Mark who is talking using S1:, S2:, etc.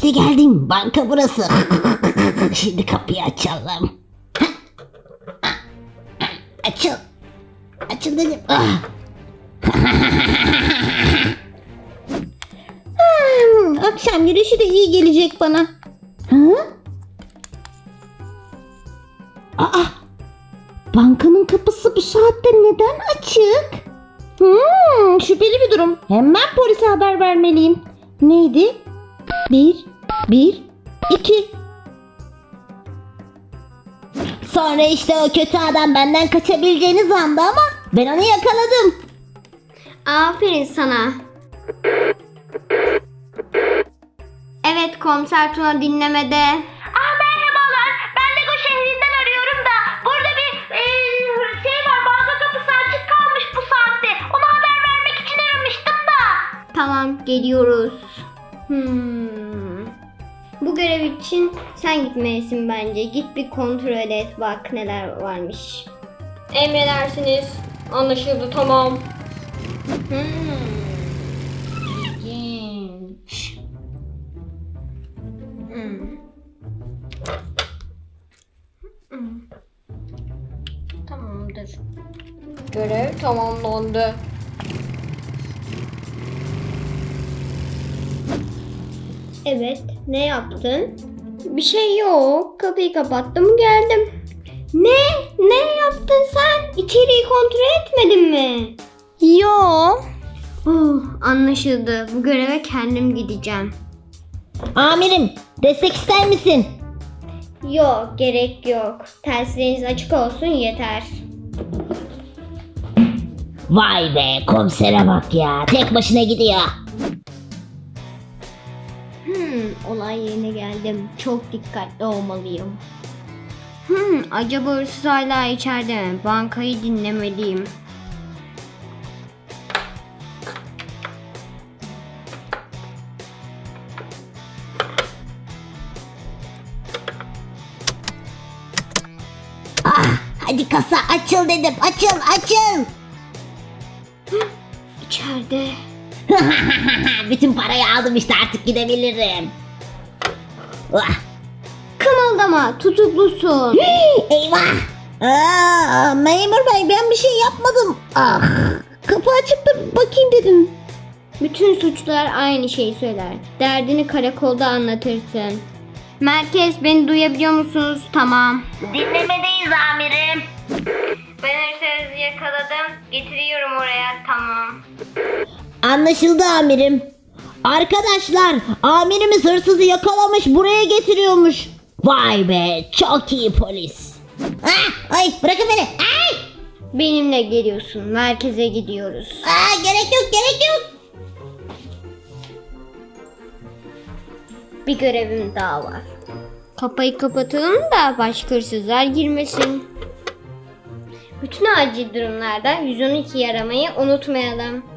S1: İşte geldim. Banka burası. Şimdi kapıyı açalım. Açıl. Açıl dedim. Akşam yürüyüşü de iyi gelecek bana. Aa, bankanın kapısı bu saatte neden açık? Şüpheli bir durum. Hemen polise haber vermeliyim. Neydi? 1, 2. Sonra işte o kötü adam benden kaçabileceğini sandı ama ben onu yakaladım.
S2: Aferin sana. Evet, komiser Tuna dinlemede.
S3: Merhabalar. Ben Lego şehrinden arıyorum da burada bir şey var. Banka kapısı açık kalmış bu saatte. Ona haber vermek için aramıştım da.
S2: Tamam, geliyoruz. Bu görev için sen gitmelisin bence. Git bir kontrol et, bak neler varmış. Emredersiniz. Anlaşıldı, tamam. İlginç. Tamamdır. Görev tamamlandı. Evet, ne yaptın? Bir şey yok. Kapıyı kapattım, geldim. Ne? Ne yaptın sen? İçeriği kontrol etmedin mi? Yok. Anlaşıldı. Bu göreve kendim gideceğim.
S1: Amirim, destek ister misin?
S2: Yok, gerek yok. Telsizleriniz açık olsun yeter.
S1: Vay be, komisere bak ya. Tek başına gidiyor.
S2: Olay yerine geldim. Çok dikkatli olmalıyım. Acaba hırsız hala içeride mi? Bankayı dinlemeliyim.
S1: Hadi kasa açıl dedim. Açıl.
S2: İçeride.
S1: Bütün parayı aldım işte, artık gidebilirim.
S2: Kımıldama, tutuklusun.
S1: Eyvah. Memur bey, ben bir şey yapmadım. Kapı açıktı, bakayım dedim.
S2: Bütün suçlular aynı şeyi söyler. Derdini karakolda anlatırsın. Merkez, beni duyabiliyor musunuz? Tamam.
S3: Dinlemedeyiz amirim.
S2: Ben hırsızı yakaladım. Getiriyorum oraya. Tamam.
S1: Anlaşıldı amirim. Arkadaşlar, amirimiz hırsızı yakalamış, buraya getiriyormuş. Vay be, çok iyi polis. Ay, bırakın beni. Ay.
S2: Benimle geliyorsun. Merkeze gidiyoruz.
S1: Gerek yok.
S2: Bir görevim daha var. Kapıyı kapatalım da başka hırsızlar girmesin. Bütün acil durumlarda 112'yi aramayı unutmayalım.